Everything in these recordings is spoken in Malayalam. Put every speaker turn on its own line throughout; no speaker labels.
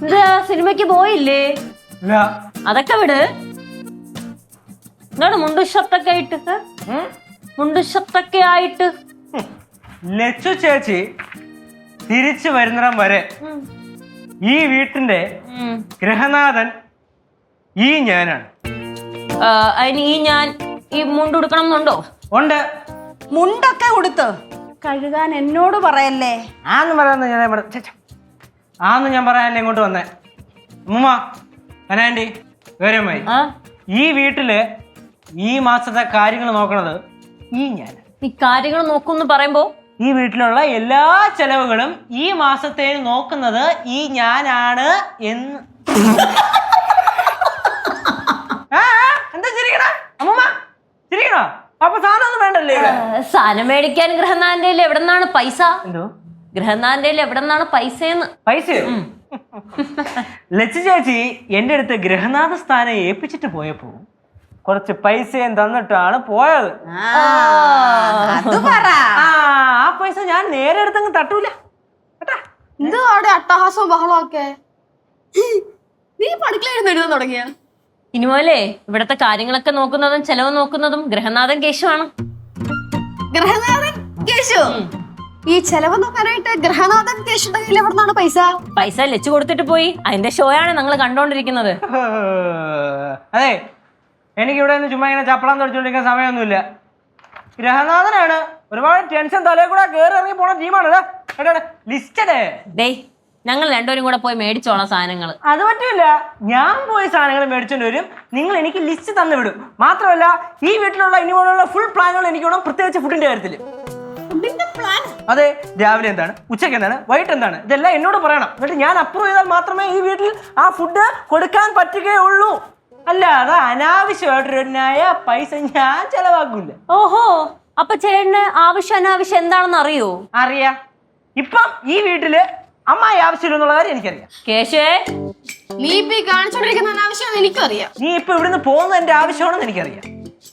എന്താ സിനിമയ്ക്ക് പോയില്ലേ? അതൊക്കെ വിട്. എന്താണ് മുണ്ടുഷത്തൊക്കെ ആയിട്ട്? മുണ്ടുഷത്തൊക്കെ ആയിട്ട്
ലച്ചു ചേച്ചി തിരിച്ചു വരുന്നിടം വരെ ഈ വീട്ടിന്റെ ഗൃഹനാഥൻ ഈ ഞാനാണ്.
അതിന് ഞാൻ ഈ മുണ്ട് ഉടുക്കണം എന്നുണ്ടോ?
ഉണ്ട്.
മുണ്ടൊക്കെ ഉടുത്ത് കഴുകാൻ എന്നോട് പറയല്ലേ.
ആന്ന് ഞാൻ പറയാനല്ലേ ഇങ്ങോട്ട് വന്നേ. അമ്മൂമ്മ അനാൻറ്റി വേരമായി ഈ വീട്ടില് ഈ മാസത്തെ കാര്യങ്ങൾ നോക്കണത് ഈ ഞാൻ.
ഈ കാര്യങ്ങൾ നോക്കുമെന്ന് പറയുമ്പോ
ഈ വീട്ടിലുള്ള എല്ലാ ചെലവുകളും ഈ മാസത്തേന് നോക്കുന്നത് ഈ ഞാനാണ് എന്ന്. എന്താ ചിരിക്കണ അമ്മൂമ്മ? ചിരിക്കണോ? അപ്പൊ സാധനം ഒന്നും വേണ്ടല്ലേ?
സാധനം മേടിക്കാൻ ഗൃഹനാഥന്റെ എവിടെ നിന്നാണ് പൈസ?
എന്തോ
ഗൃഹനാഥന്റെ എവിടെ നിന്നാണ് പൈസയെന്ന്?
പൈസയോ? ലച്ചു ചേച്ചി എന്റെ അടുത്ത് ഗൃഹനാഥ സ്ഥാനം ഏൽപ്പിച്ചിട്ട് പോയപ്പോ കുറച്ച് പൈസയും തന്നിട്ടാണ് പോയത്. ആ പൈസ ഞാൻ നേരെ എടുത്തങ്ങ് തട്ടൂല.
എന്തോ അവിടെ അട്ടഹാസവും ബഹളമൊക്കെ. നീ പഠിക്കലായിരുന്നു എഴുതാൻ തുടങ്ങിയ?
ഇനി പോലെ ഇവിടത്തെ കാര്യങ്ങളൊക്കെ നോക്കുന്നതും ചെലവ് നോക്കുന്നതും ഗൃഹനാഥൻ കേശുവാണ്.
ഗൃഹനാഥൻ കേശു? ഈ ചെലവ് നോക്കാനായിട്ട് ഗൃഹനാഥൻ കേശുടെ കയ്യിൽ എവിടെ നിന്നാണ് പൈസ?
പൈസ ലച്ചു കൊടുത്തിട്ട് പോയി. അതിന്റെ ഷോയാണ് നിങ്ങൾ കണ്ടോണ്ടിരിക്കുന്നത്.
അതെ, എനിക്ക് ഇവിടെ നിന്ന് ചുമ്മാ ഇങ്ങനെ ചപ്പളം തുടച്ചുകൊണ്ടിരിക്കാൻ സമയമൊന്നുമില്ല. ഗൃഹനാഥനാണ് ഒരുപാട് ടെൻഷൻ തലയിൽ കൂടെ കയറി ഇറങ്ങി പോണ ടീമാണ്. ലിസ്റ്റഡേ
ഡേയ്, ഞങ്ങൾ രണ്ടുപേരും കൂടെ പോയി മേടിച്ചോളാം സാധനങ്ങൾ.
അത് പറ്റില്ല. ഞാൻ പോയി സാധനങ്ങൾ മേടിച്ചോണ്ട് വരും, നിങ്ങൾ എനിക്ക് ലിസ്റ്റ് തന്നു വിടും. മാത്രമല്ല ഈ വീട്ടിലുള്ള ഇനി പോലുള്ള ഫുൾ പ്ലാനുകൾ എനിക്ക് വേണം, പ്രത്യേകിച്ച് ഫുഡിന്റെ കാര്യത്തിൽ. അതെ, രാവിലെ എന്താണ്, ഉച്ചയ്ക്ക് എന്താണ്, വൈകിട്ട് എന്താണ്, ഇതെല്ലാം എന്നോട് പറയണം. എന്നിട്ട് ഞാൻ അപ്രൂവ് ചെയ്താൽ മാത്രമേ ഈ വീട്ടിൽ ആ ഫുഡ് കൊടുക്കാൻ പറ്റുകയുള്ളൂ. അല്ലാതെ അനാവശ്യമായിട്ടൊരു പൈസ ഞാൻ ചെലവാക്കൂല.
ഓഹോ, അപ്പൊ ചേട്ടന് ആവശ്യം അനാവശ്യം എന്താണെന്ന് അറിയോ?
അറിയാം. ഇപ്പം ഈ വീട്ടില് അമ്മായി ആവശ്യമില്ലെന്നുള്ള കാര്യം എനിക്കറിയാം.
കേശേ,
നീ ഇപ്പൊ കാണിച്ചോണ്ടിരിക്കുന്ന അനാവശ്യം എനിക്കറിയാം.
നീ ഇപ്പൊ ഇവിടുന്ന് പോകുന്നത് എന്റെ ആവശ്യമാണെന്ന് എനിക്കറിയാം.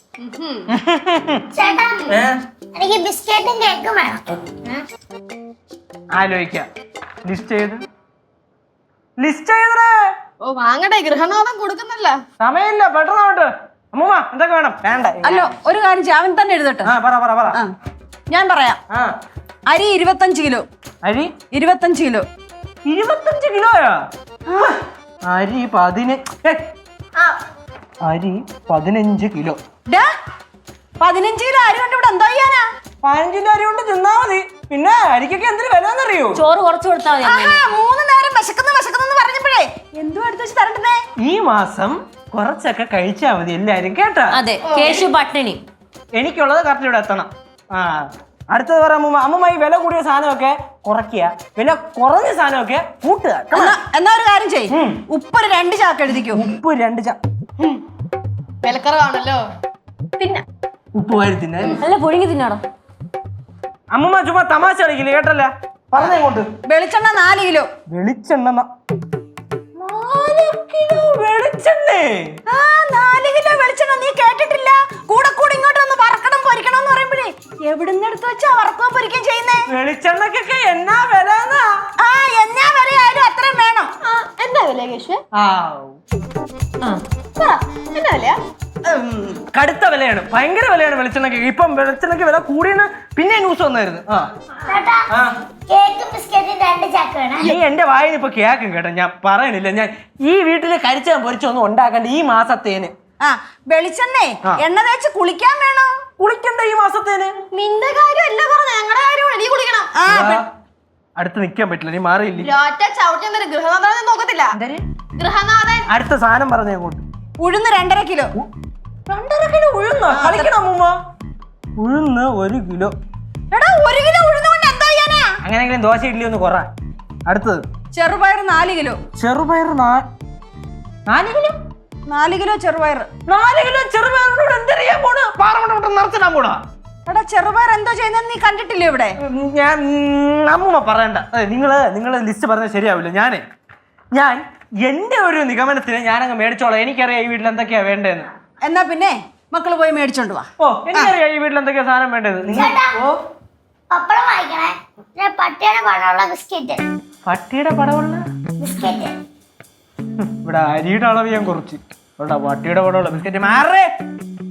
എനിക്ക് ബിസ്ക്കറ്റും കേക്കും വേണം.
ആലോചിക്കാം. ലിസ്റ്റ് ചെയ്തേ.
ഓ വാങ്ങട്ടെ, ഗൃഹനാഥൻ കൊടുക്കുന്നല്ല.
സമയമില്ല, പെട്ടെന്നോട്ട്. അമ്മൂമ്മ എന്തൊക്കെ വേണം? വേണ്ട.
അല്ലോ, ഒരു കാര്യം ചെയ്യാം, അവൻ തന്നെ എഴുതട്ടെ.
പറ.
ഞാൻ പറയാം. അരി 25 കിലോ.
അരി
25 കിലോ.
25 കിലോയാ? അരി 15 കിലോ.
15 കിലോ അരി കൊണ്ട് ഇവിടെ എന്താ ചെയ്യാനാ?
15 കിലോ അരി കൊണ്ട് തിന്നാ മതി. പിന്നെ അരിക്കൊക്കെ എന്തൊരു വില എന്നറിയോ?
ചോറ് കുറച്ച് കൊടുത്താൽ മതി.
3 നേരം വിശക്കുന്നു പറഞ്ഞപ്പോഴേ എന്തോ എടുത്ത് വെച്ച് തരണ്ടേ?
ഈ മാസം കുറച്ചൊക്കെ കഴിച്ചാ മതി എല്ലാരും, കേട്ടാ?
അതെ, കേശു പട്ടിണി.
എനിക്കുള്ളത് കറക്റ്റ് ഇവിടെ എത്തണം. അടുത്തത് പറ അമ്മൂമ്മ. അമ്മൂമ്മ ഈ വില കൂടിയ സാധനമൊക്കെ കുറയ്ക്കുക, വില കുറഞ്ഞ സാധനമൊക്കെ കൂട്ടുക.
എന്നാ ഒരു കാര്യം ചെയ്യ്, ഉപ്പ് 2 ചാക്ക് എഴുതിക്കോ.
ഉപ്പ് 2 ചാക്ക്.
വിലക്കറവാണല്ലോ.
പിന്നെ ഉപ്പ് വാരി തിന്നാൻ
അല്ല, പുഴുങ്ങി തിന്നാടോ.
അമ്മൂമ്മ ചുമ്മാ തമാശ കളിക്കില്ലേ, കേട്ടല്ല? പറഞ്ഞങ്ങോട്ട്.
വെളിച്ചെണ്ണ 4 കിലോ.
വെളിച്ചെണ്ണ 4 കിലോ വെളിച്ചെണ്ണേ?
4 കിലോ വെളിച്ചെണ്ണ. നീ കേട്ടിട്ടില്ല? കൂടെ ഇങ്ങോട്ട് ഒന്ന് വറക്കണം പൊരിക്കണം എന്ന് പറയുമ്പോഴേ എവിടുന്ന് എടുത്ത് വെച്ചാ വറക്കുകയും പൊരിക്കുകയും ചെയ്യുന്നേ?
വെളിച്ചെണ്ണക്കൊക്കെ എന്നാ വില?
എന്നാ വിലയായാലും അത്രയും വേണം. എന്താ വില കേശു? എന്നാ വിലയാ?
കടുത്ത വിലയാണ്, ഭയങ്കര വിലയാണ് വെളിച്ചെണ്ണക്ക്. ഇപ്പം വെളിച്ചെണ്ണക്ക് വില കൂടിയെന്ന് പിന്നെ ന്യൂസ് വന്നായിരുന്നു.
കേക്കും ബിസ്ക്കറ്റും 2 ചാക്ക് വേണം.
നീ എന്റെ വായിന് ഇപ്പൊ കേക്കും കേട്ടോ. ഞാൻ പറയണില്ല, ഞാൻ ഈ വീട്ടില് കരിച്ചാൻ പൊരിച്ചൊന്നും ഉണ്ടാക്കണ്ട ഈ മാസത്തേന്.
വെളിച്ചെണ്ണേ എണ്ണ തേച്ച് കുളിക്കാൻ വേണോ?
കുളിക്കണ്ട ഈ മാസത്തേന്.
നിന്റെ കാര്യം അല്ല പറഞ്ഞ, ഞങ്ങളുടെ കാര്യമാണ്. നീ കുളിക്കണം.
അടുത്ത് നിക്കാൻ പറ്റില്ല, നീ മാറിയില്ലേ?
ഗൃഹനാഥൻ നോക്കത്തില്ല. ഗൃഹനാഥൻ
അടുത്ത സാധനം പറഞ്ഞ അങ്ങോട്ട്.
ഉഴുന്ന് 2.5 കിലോ.
2.5 കിലോ ഉഴുന്നോ? കളിക്കണം അമ്മൂമ്മ. ഉഴുന്ന് 1 കിലോ.
എടാ, 1 കിലോ ഉഴുന്ന് കൊണ്ട് എന്താ ചെയ്യാനാ?
അങ്ങനെയെങ്കിലും ദോശ ഇഡ്ഡലി ഒന്ന് കുറ. അടുത്തത്
ചെറുപയർ 4 കിലോ.
ചെറുപയർ 4 കിലോ?
4 കിലോ ചെറുപയർ.
4 കിലോ ചെറുപയറിനോട് എന്തറിയാൻ പോണ്? പാറമട്ട നിറച്ചിടാൻ പോണാ?
എടാ, ചെറുപയർ എന്തോ ചെയ്യുന്നത് നീ കണ്ടിട്ടില്ലേ ഇവിടെ?
ഞാൻ അമ്മൂമ്മ പറയണ്ട. നിങ്ങള് ലിസ്റ്റ് പറഞ്ഞാൽ ശരിയാവില്ല. ഞാൻ എന്റെ ഒരു നിഗമനത്തിന് ഞാനങ്ങ് മേടിച്ചോളാം. എനിക്കറിയാം ഈ വീട്ടിൽ എന്തൊക്കെയാ വേണ്ടതെന്ന്.
എന്നാ പിന്നെ മക്കള് പോയി മേടിച്ചോണ്ട് വാ.
എനിക്കറിയാം ഈ വീട്ടിൽ എന്തൊക്കെയാ സാധനം വേണ്ടത്.
പപ്പടം വാങ്ങിക്കണേ. പട്ടിയുടെ പടമുള്ള ബിസ്ക്കറ്റ്.
പട്ടിയുടെ പടമുള്ള
ബിസ്ക്കറ്റ്
ഇവിടെ അരിയുടെ അളവ് ഞാൻ കുറച്ച് ഇവിടെ വട്ടിയുടെ പടമുള്ള ബിസ്ക്കറ്റ് മാറേ